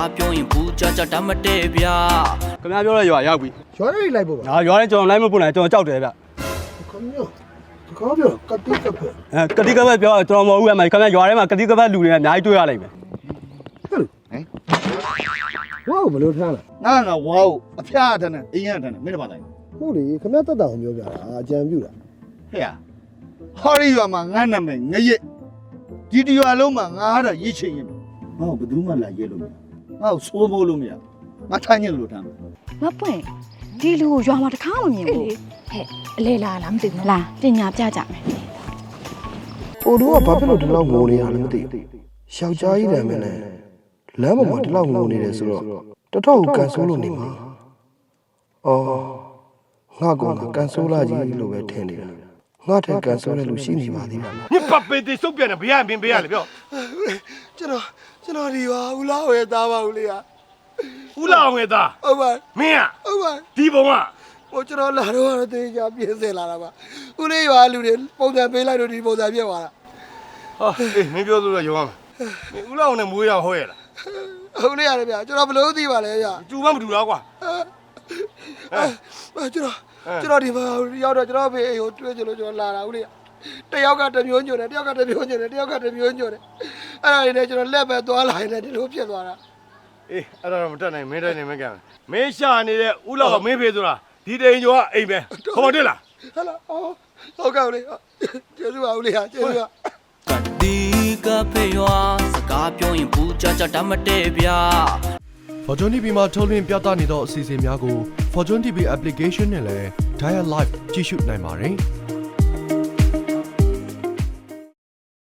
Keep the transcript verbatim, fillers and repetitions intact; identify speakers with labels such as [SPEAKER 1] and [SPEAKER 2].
[SPEAKER 1] ကားပြောရင်ဘူးကြကြတတ်မတည့်ဗျာ
[SPEAKER 2] ခင်ဗျားပြောတဲ့ရွာရောက်ပြီ
[SPEAKER 3] ရွာလေးလိုက်ပို့ပါ
[SPEAKER 2] ငါရွာလေးကျွန်တော်လိုက်မပို့နိုင်ကျွန်တော်ကြောက်တယ်ဗျ
[SPEAKER 3] ခင်ဗျာကောင်းပြောကတိကပဲ
[SPEAKER 2] အဲကတိကပတ်ပြောကျွန်တော်မဟုတ်ဘူးအမေခင်ဗျားရွာထဲမှာကတိကပတ်လူတွေအများကြီးတွေ့ရလိမ့်မယ်
[SPEAKER 3] ဟဲ့ဝါဘလို့ထားလား
[SPEAKER 4] ငါငါဝါ့အဖျားထနဲ့အင်းရထနဲ့မင်းတို့ပါတိုင်း
[SPEAKER 3] ဟုတ်လေခင်ဗျာတက်တာအောင်ပြောပြတာအကြံပြုတာ
[SPEAKER 4] ဟဲ့ဟောရီရွာမှာငါနာမည်ငရက်ဒီတရွာလုံးမှာငါဟာရစ်ချင်ရင်ငါ့ကိုဘယ်သူမှလာရဲလို့မရငါ့ကိုစိုးမိုးလို့မရငါထိုင်ညစ်လို့ထားမယ်
[SPEAKER 5] မပွင့်ဒီလူကိုရွာမှာတခါမမြင်ဘူးဟဲ့အလဲလာလားမသိဘူးလားပညာပြကြမယ်
[SPEAKER 3] အိုတို့ကဘာဖြစ်လို့ဒီလောက်ငိုနေရလဲမသိဘူးယောက်ျားကြီးတယ်မင်းနဲ့လမ်းပေါ်မှာဒီလောက်ငိုနေတယ်ဆိုတော့တတော်ကိုကန်ဆိုးလို့နေမှာအော်ငါကောင်ကကန်ဆိုးလာကြီးလို့ပဲထင်နေတာငါထက်ကန်ဆိုးတဲ့လူရှိနေပါသေးတယ်
[SPEAKER 6] ညပတ်ပေတိစုပ်ပြန်တယ်ဘယ်ရမင်းဘယ်ရလဲပြော
[SPEAKER 3] ကျွန်တော်ကျွန်တော်ဒီပါဦးလားဝယ်သားပါဦးလေးဟာ
[SPEAKER 6] ဦးလာအောင်ရဲ့သား
[SPEAKER 3] ဟုတ်ပါ
[SPEAKER 6] မင်းอ่ะ
[SPEAKER 3] ဟုတ်ပါ
[SPEAKER 6] ဒီဘုံက
[SPEAKER 3] ဟိုကျွန်တော်လာတော့တော့တေးကြပြင်းစင်လာတာပါဦးလေးရွာလူတွေပုံစံပေးလိုက်လို့ဒီပုံစံပြက်သွားတာ
[SPEAKER 6] ဟာအေးမင်းပြောလို့တော့ရုံးရမယ်မင်းဦးလာအောင်နဲ့မွေးရဟောရလား
[SPEAKER 3] ဟုတ်လေရတယ်ဗျာကျွန်တော်ဘလို့သိပါလဲဗျာ
[SPEAKER 6] ကျူမမတူတော့ကွာ
[SPEAKER 3] အဲကျွန်တော်ကျွန်တော်ဒီမှာရောက်တော့ကျွန်တော်ဖေးအိမ်ကိုတွေ့ကြလို့ကျွန်တော်လာတာဦးလေးတယောက်ကတမျိုးညွန့်တယ်တယောက်ကတမျိုးညွန့်တယ်တယောက်ကတမျိုးညွန့်တယ်အဲ့ဒါလေးနဲ့ကျွန်တော်လက်ပဲသွားလာရင်လည်းဒီလိုဖြစ်သွားတာ
[SPEAKER 6] အေးအဲ့ဒါတော့မတက်နိုင်မင်းတိုင်းနေမကံမင်းရှာနေတဲ့ဦးလောက်မင်းဖေးဆိုတာဒီတိန်ကျော်ကအိမ်ပဲခေါ်မတက်လား
[SPEAKER 3] ဟလာဟုတ်ကဲ့ဦးလေးကျေးဇူးပါဦးလေးဟာကျေးဇူးပါ
[SPEAKER 1] ကတိကဖေရွာစကားပြောရင်ဘူးကြကြတတ်မတည့်ဗျာ
[SPEAKER 7] Fortune တီ ဗီ မှာထုတ်လွှင့်ပြသနေသောအစီအစဉ်များကို Fortune တီ ဗီ application နဲ့လည်း Dial Live ကြည့်ရှုနိုင်ပါတယ်။